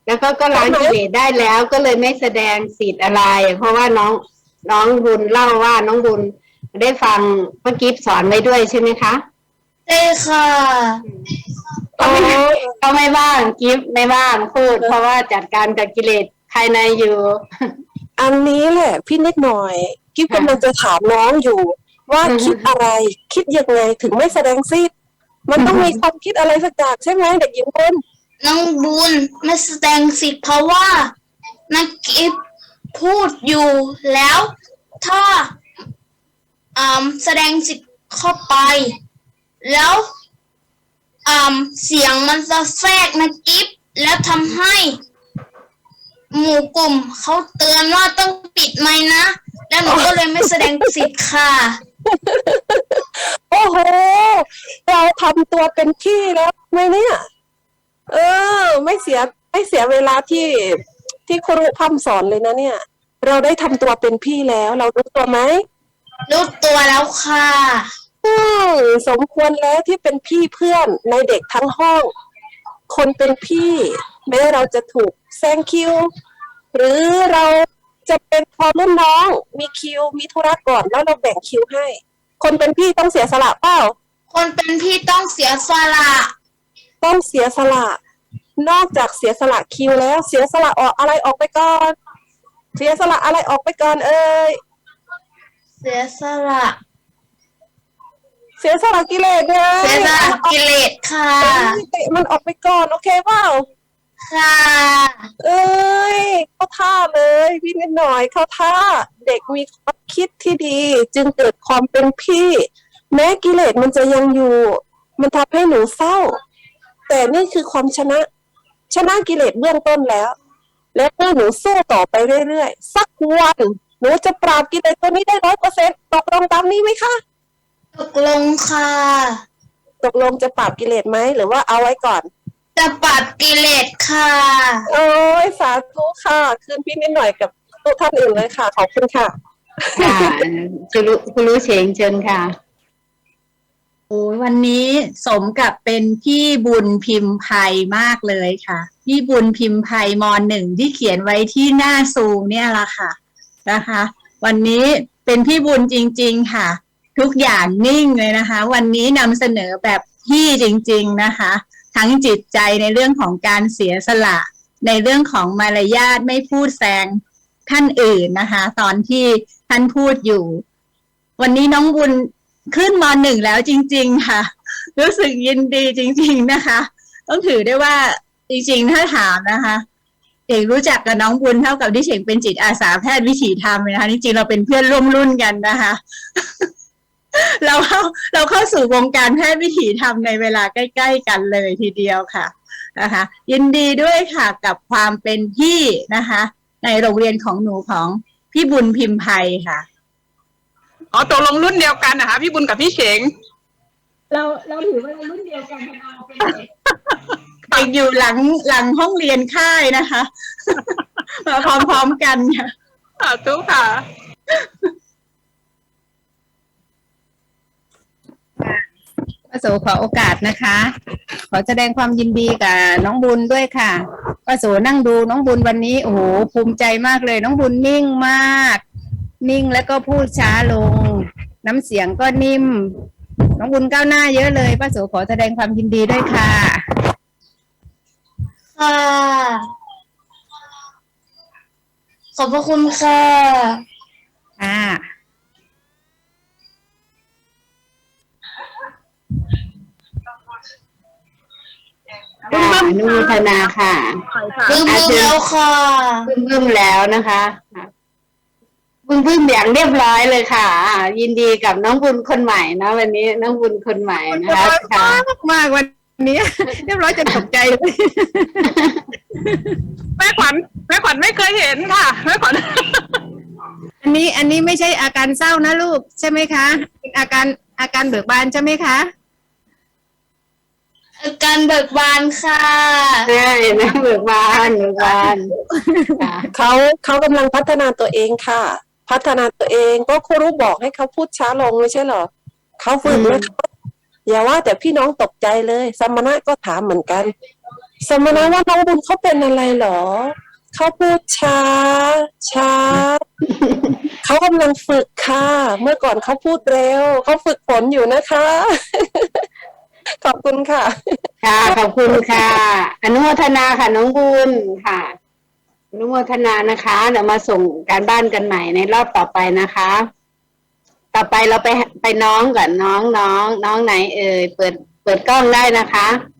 แล้วก็ล้างกิเลสได้แล้วก็เลยไม่แสดงสิทธิ์อะไรเพราะว่าน้องบุญเล่าว่าน้องบุญได้ฟังเมื่อกี้สอนไว้ด้วยใช่ไหมคะใช่ค่ะก็ไม่บ้างกิฟไม่บ้างพูดเพราะว่าจัดการกับกิเลสภายในอยู่อันนี้แหละพี่นิดหน่อยกิ๊บกำลังจะถามน้องอยู่ว่าคิดอะไรคิดยังไงถึงไม่แสดงสิทธิ์มันต้องมีความคิดอะไรสักอย่างใช่ไหมเด็กหญิงบุญน้องบุญไม่แสดงสิทธิ์เพราะว่านักกิฟพูดอยู่แล้วถ้าแสดงสิทธิ์เข้าไปแล้วเสียงมันจะแทรกนะกิฟแล้วทำให้หมู่กลุ่มเขาเตือนว่าต้องปิดไมค์นะแล้วหนูก็เลยไม่แสดงสิทธิ์ค่ะโอ้โหเราทำตัวเป็นพี่แล้วไหมเนี่ยไม่เสียเวลาที่ครูพร่ำสอนเลยนะเนี่ยเราได้ทำตัวเป็นพี่แล้วเรารู้ตัวไหมรู้ตัวแล้วค่ะสมควรแล้วที่เป็นพี่เพื่อนในเด็กทั้งห้องคนเป็นพี่แม้เราจะถูกแซงคิวหรือเราจะเป็นพอรุ่นน้องมีคิวมีธุระก่อนแล้วเราแบ่งคิวให้คนเป็นพี่ต้องเสียสละเปล่าคนเป็นพี่ต้องเสียสละนอกจากเสียสละคิวแล้วเสียสละอะไรออกไปก่อนเสียสละอะไรออกไปก่อนเสียสละกิเลสเลยเสียสละกิเลสค่ะมันออกไปก่อนโอเคเปล่าค่ะเข้าท่าเลยพี่นิดหน่อยเข้าท่าเด็กมีความคิดที่ดีจึงเกิดความเป็นพี่แม้กิเลสมันจะยังอยู่มันทำให้หนูเศร้าแต่นี่คือความชนะกิเลสเบื้องต้นแล้วเมื่อหนูสู้ต่อไปเรื่อยๆสักวันหนูจะปราบกิเลสตัวนี้ได้100%ตกลงตามนี้ไหมคะตกลงค่ะตกลงจะปราบกิเลสไหมหรือว่าเอาไว้ก่อนจะปราบกิเลสค่ะโอ้ยสาธุค่ะคืนพี่นิดหน่อยกับทุกท่านอื่นเลยค่ะขอบคุณค่ะค่ะคุณรู้เฉงเชิญค่ะโอ้วันนี้สมกับเป็นพี่บุญพิมพ์ไพมากเลยค่ะพี่บุญพิมพ์ไพม.1ที่เขียนไว้ที่หน้าซูมเนี่ยละค่ะนะคะวันนี้เป็นพี่บุญจริงๆค่ะทุกอย่างนิ่งเลยนะคะวันนี้นำเสนอแบบพี่จริงๆนะคะทั้งจิตใจในเรื่องของการเสียสละในเรื่องของมารยาทไม่พูดแซงท่านอื่นนะคะตอนที่ท่านพูดอยู่วันนี้น้องบุญขึ้นม.1แล้วจริงๆค่ะรู้สึกยินดีจริงๆนะคะต้องถือได้ว่าจริงๆถ้าถามนะคะเอกรู้จักกับน้องบุญเท่ากับที่เฉงเป็นจิตอาสาแพทย์วิถีธรรมนะคะจริงๆเราเป็นเพื่อนร่วมรุ่นกันนะคะเราเข้าสู่วงการแพทย์วิถีธรรมในเวลาใกล้ๆกันเลยทีเดียวค่ะนะคะยินดีด้วยค่ะกับความเป็นพี่นะคะในโรงเรียนของหนูของพี่บุญพิมพ์ไพค่ะตกลงรุ่นเดียวกันนะคะพี่บุญกับพี่เฉงเราถือว่าเรารุ่นเดียวกันเราเป็นเด็กอยู่หลังห้องเรียนค่ายนะคะมาพร้อมๆกันค่ะทุกค่ะป้าโสขอโอกาสนะคะขอแสดงความยินดีกับน้องบุญด้วยค่ะป้าโสนั่งดูน้องบุญวันนี้โอ้โหภูมิใจมากเลยน้องบุญนิ่งมากนิ่งแล้วก็พูดช้าลงน้ำเสียงก็นิ่มน้องบุญก้าวหน้าเยอะเลยป้าโสขอแสดงความยินดีด้วยค่ะค่ะขอบพระคุณค่ะอนุโมทนาค่ะบึ้มแล้วค่ะบึ้มแล้วนะคะบึ้มอย่างเรียบร้อยเลยค่ะยินดีกับน้องบุญคนใหม่นะวันนี้น้องบุญคนใหม่นะคะมากวันนี้เรียบร้อยจนตกใจเลยแม่ขวัญไม่เคยเห็นค่ะแม่ขวัญอันนี้ไม่ใช่อาการเศร้านะลูกใช่ไหมคะอาการเบิกบานใช่ไหมคะการเบิกบานค่ะใช่นะเบิกบานเขากำลังพัฒนาตัวเองค่ะพัฒนาตัวเองก็ครูบอกให้เขาพูดช้าลงไม่ใช่เหรอเขาฝึกนะคะอย่าว่าแต่พี่น้องตกใจเลยสมณะก็ถามเหมือนกันสมณะว่าน้องบุญเขาเป็นอะไรเหรอเขาพูดช้า เขากำลังฝึกค่ะ เมื่อก่อนเขาพูดเร็วเขาฝึกฝนอยู่นะคะ ขอบคุณค่ะค่ะขอบคุณค่ะ อนุโมทนาค่ะน้องบุญค่ะ อนุโมทนานะคะเดี๋ยวมาส่งการบ้านกันใหม่ในรอบต่อไปนะคะ ต่อไปเราไปน้องก่อนน้องไหนเอ่ยเปิดกล้องได้นะคะ